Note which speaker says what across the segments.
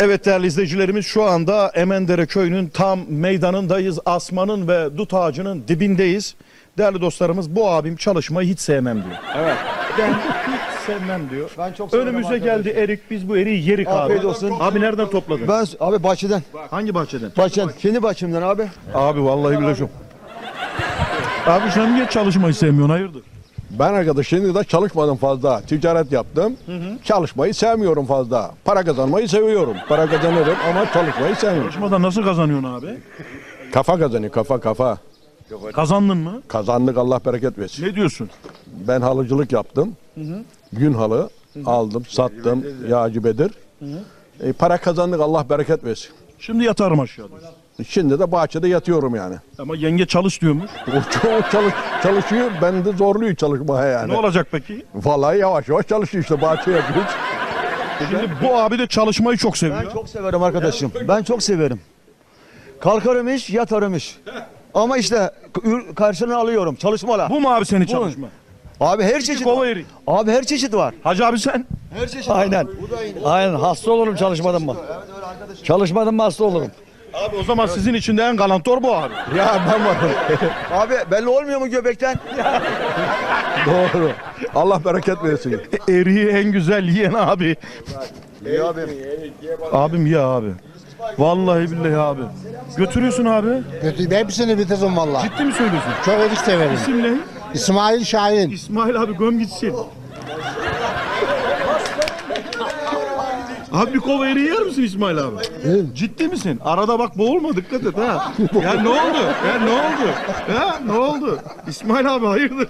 Speaker 1: Evet değerli izleyicilerimiz, şu anda Emendere köyünün tam meydanındayız. Asmanın ve dut ağacının dibindeyiz. Değerli dostlarımız, bu abim çalışmayı hiç sevmem diyor.
Speaker 2: Evet.
Speaker 1: Ben hiç sevmem diyor.
Speaker 2: Ben çok severim
Speaker 1: Önümüze
Speaker 2: arkadaşlar.
Speaker 1: geldi erik, biz bu eriği yerik abi.
Speaker 2: Afiyet olsun.
Speaker 1: Abi nereden topladın?
Speaker 2: Ben abi bahçeden.
Speaker 1: Hangi bahçeden?
Speaker 2: Bahçeden. Kendi bahçemden abi.
Speaker 1: Abi vallahi bileceğim. Abi sen niye çalışmayı sevmiyorsun, hayırdır?
Speaker 3: Ben arkadaş şimdi de çalışmadım fazla. Ticaret yaptım. Çalışmayı sevmiyorum fazla. Para kazanmayı seviyorum. Para kazanırım ama çalışmayı sevmiyorum.
Speaker 1: Çalışmadan nasıl kazanıyorsun abi?
Speaker 3: Kafa kazanıyor, kafa.
Speaker 1: Kazandın mı?
Speaker 3: Kazandık, Allah bereket versin.
Speaker 1: Ne diyorsun?
Speaker 3: Ben halıcılık yaptım. Gün halı aldım, sattım. Yağcı Bedir. Para kazandık, Allah bereket versin.
Speaker 1: Şimdi yatarım aşağıda.
Speaker 3: Şimdi de bahçede yatıyorum yani.
Speaker 1: Ama yenge çalış diyormuş.
Speaker 3: O çok çalışıyor, ben de zorluyor çalışmaya yani.
Speaker 1: Ne olacak peki?
Speaker 3: Vallahi yavaş yavaş çalışıyor işte, bahçe yapıyoruz.
Speaker 1: Şimdi bu abi de çalışmayı çok seviyor.
Speaker 2: Ben çok severim arkadaşım. Ben çok severim. Kalkarım iş, yatarım iş. Ama işte karşılığını alıyorum. Çalışmalar.
Speaker 1: Bu mu abi senin çalışma?
Speaker 2: Abi her çeşit
Speaker 1: kova
Speaker 2: var.
Speaker 1: erik.
Speaker 2: Abi her çeşit var.
Speaker 1: Hacı abi sen?
Speaker 2: Her çeşit
Speaker 4: Aynen. Aynen hasta olurum çalışmadan mı? Çalışmadan mı hasta olurum?
Speaker 1: Abi o zaman sizin içinde en galantor bu abi.
Speaker 3: Ya ben varım.
Speaker 2: Abi belli olmuyor mu göbekten?
Speaker 3: Doğru. Allah bereket versin.
Speaker 1: Eriği en güzel yiyen abi.
Speaker 2: İyi abi.
Speaker 1: Abim ya abi. Vallahi billahi abi. Götürüyorsun abi.
Speaker 5: Hepsini bitirdim valla.
Speaker 1: Ciddi mi söylüyorsun?
Speaker 5: Çok erik severim.
Speaker 1: İsim ne?
Speaker 5: İsmail Şahin.
Speaker 1: İsmail abi göm gitsin. Abi bir kova eriği yer misin İsmail abi? Ciddi misin? Arada bak boğulma, dikkat et ha. Ya ne oldu? Ya ne oldu? Ha ne oldu? İsmail abi hayırdır?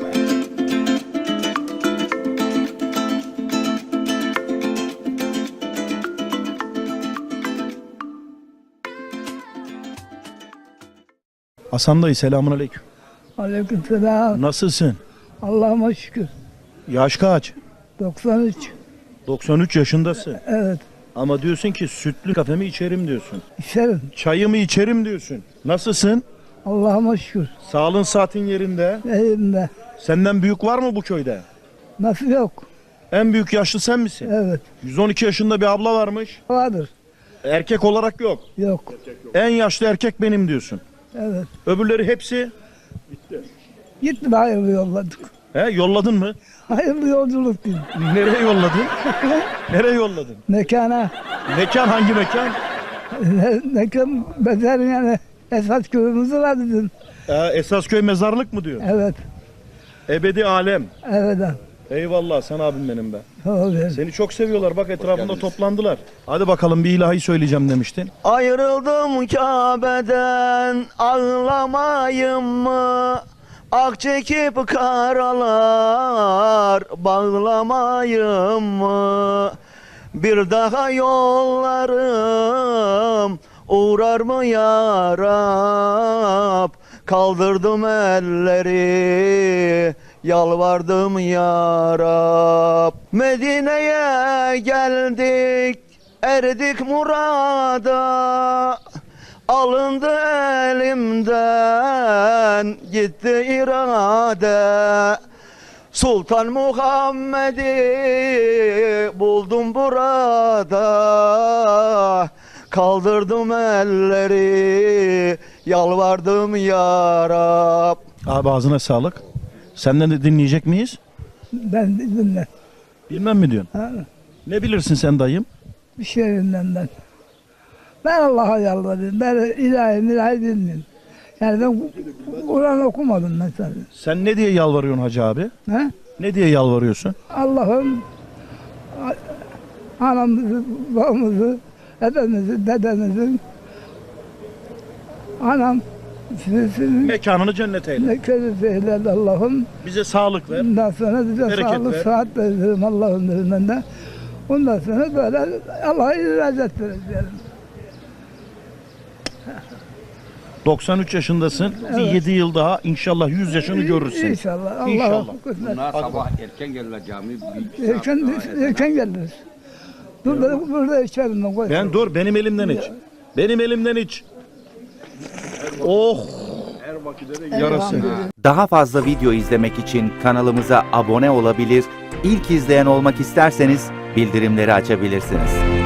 Speaker 1: Hasan dayı, selamun aleyküm.
Speaker 6: Aleykümselam.
Speaker 1: Nasılsın?
Speaker 6: Allah'ıma şükür.
Speaker 1: Yaş kaç?
Speaker 6: 93.
Speaker 1: 93 yaşındasın.
Speaker 6: Evet.
Speaker 1: Ama diyorsun ki sütlü kafemi içerim diyorsun.
Speaker 6: İçerim.
Speaker 1: Çayımı içerim diyorsun. Nasılsın?
Speaker 6: Allah'ıma şükür.
Speaker 1: Sağlığın saatin yerinde.
Speaker 6: Elimde.
Speaker 1: Senden büyük var mı bu köyde?
Speaker 6: Nasıl yok?
Speaker 1: En büyük yaşlı sen misin?
Speaker 6: Evet.
Speaker 1: 112 yaşında bir abla varmış.
Speaker 6: Vardır.
Speaker 1: Erkek olarak yok.
Speaker 6: Yok.
Speaker 1: En yaşlı erkek benim diyorsun.
Speaker 6: Evet.
Speaker 1: Öbürleri hepsi
Speaker 6: Gitme, hayırlı yolladık.
Speaker 1: yolladın mı?
Speaker 6: Hayırlı yolculuk değil.
Speaker 1: Nereye yolladın? Nereye yolladın?
Speaker 6: Mekana.
Speaker 1: Mekan hangi mekan?
Speaker 6: Mekan beter yani. Esas köyümüz var dedim.
Speaker 1: Esasköy mezarlık mı diyor?
Speaker 6: Evet.
Speaker 1: Ebedi alem.
Speaker 6: Evet.
Speaker 1: Eyvallah, sen abim benim be.
Speaker 6: Tabii.
Speaker 1: Seni çok seviyorlar, bak etrafında toplandılar. Hadi bakalım, bir ilahi söyleyeceğim demiştin.
Speaker 4: Ayrıldım Kabe'den ağlamayım mı? Ak çekip karalar bağlamayım mı? Bir daha yollarım uğrar mı ya Rab? Kaldırdım elleri, yalvardım ya Rab. Medine'ye geldik, erdik murada. Alındı elimden, gitti irade. Sultan Muhammed'i buldum burada. Kaldırdım elleri, yalvardım ya Rab.
Speaker 1: Abi ağzına sağlık. Senden de dinleyecek miyiz?
Speaker 6: Ben dinle.
Speaker 1: Bilmem mi diyorsun?
Speaker 6: Ha,
Speaker 1: Ne bilirsin sen dayım?
Speaker 6: bir şeyinden ben. Ben Allah'a yalvarıyorum. Ben ilahi dinliyorum. Yani ben Kur'an okumadım mesela.
Speaker 1: Sen ne diye yalvarıyorsun hacı abi?
Speaker 6: Ha?
Speaker 1: Ne diye yalvarıyorsun?
Speaker 6: Allah'ım anamızı, babamızı, dedemizi, dedemizin anam sizin
Speaker 1: Mekanını cennet eyle.
Speaker 6: ne kötü eyledi Allah'ım.
Speaker 1: Bize sağlık ver.
Speaker 6: Ondan sonra bize
Speaker 1: Bereket
Speaker 6: sağlık,
Speaker 1: ver.
Speaker 6: sıhhat veririm Allah'ın izniyle. Ondan sonra böyle Allah'a izzet vereceğim.
Speaker 1: 93 yaşındasın. Bir 7 yıl daha inşallah 100 yaşını görürsün.
Speaker 6: İnşallah. Allah'a
Speaker 1: İnşallah.
Speaker 6: kısmet.
Speaker 7: Sabah erken gelirler cami.
Speaker 6: Erken geliriz. Dur burada içerim ben. Koy.
Speaker 1: Ben dur, benim elimden iç. Benim elimden iç. Oh. Yarası.
Speaker 8: Daha fazla video izlemek için kanalımıza abone olabilir, ilk izleyen olmak isterseniz bildirimleri açabilirsiniz.